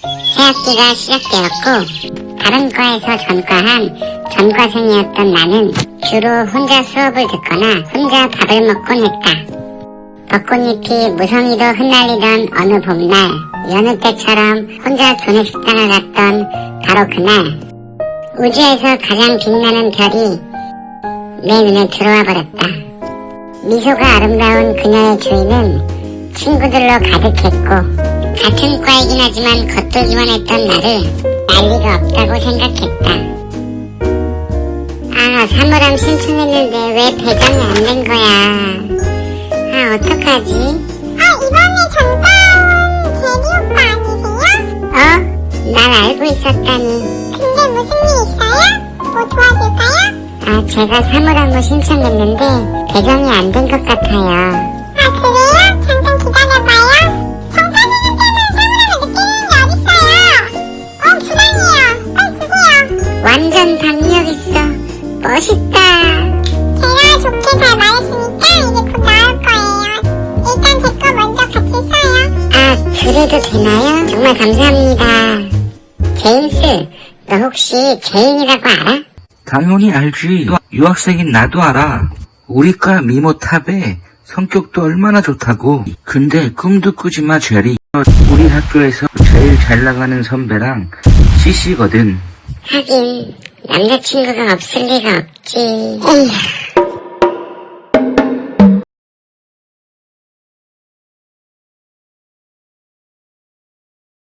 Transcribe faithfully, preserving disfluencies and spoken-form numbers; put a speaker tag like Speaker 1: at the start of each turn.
Speaker 1: 새학기가 시작되었고 다른 과에서 전과한 전과생이었던 나는 주로 혼자 수업을 듣거나 혼자 밥을 먹곤 했다. 벚꽃잎이 무성히도 흩날리던 어느 봄날, 여느 때처럼 혼자 조내식당을 갔던 바로 그날, 우주에서 가장 빛나는 별이 내 눈에 들어와 버렸다. 미소가 아름다운 그녀의 주위는 친구들로 가득했고 같은 과이긴 하지만 겉돌기만 했던 나를 난리가 없다고 생각했다. 아, 사물함 신청했는데 왜 배정이 안 된 거야. 아, 어떡하지?
Speaker 2: 아, 이번에 전과온 대리 오빠 아니세요?
Speaker 1: 어? 날 알고 있었다니.
Speaker 2: 근데 무슨 일 있어요? 뭐 도와줄까요?
Speaker 1: 아, 제가 사물함을 신청했는데 배정이 안 된 것 같아요.
Speaker 2: 아, 그래요? 잠깐 기다려봐요. 전과생한테는 사물함을 느끼는 게 어딨어요? 어, 부당이에요. 빨리 주세요.
Speaker 1: 완전 박력 있어. 멋있다.
Speaker 2: 제가 좋게 잘 말했으니까 이제 곧 나올 거예요. 일단 제 거 먼저 같이 써요.
Speaker 1: 아, 그래도 되나요? 정말 감사합니다. 제임스, 너 혹시 제인이라고 알아?
Speaker 3: 당연히 알지. 유학생인 나도 알아. 우리과 미모탑에 성격도 얼마나 좋다고. 근데 꿈도 꾸지 마, 제리. 우리 학교에서 제일 잘 나가는 선배랑 씨씨거든.
Speaker 1: 하긴 남자친구가 없을 리가 없지. 에휴.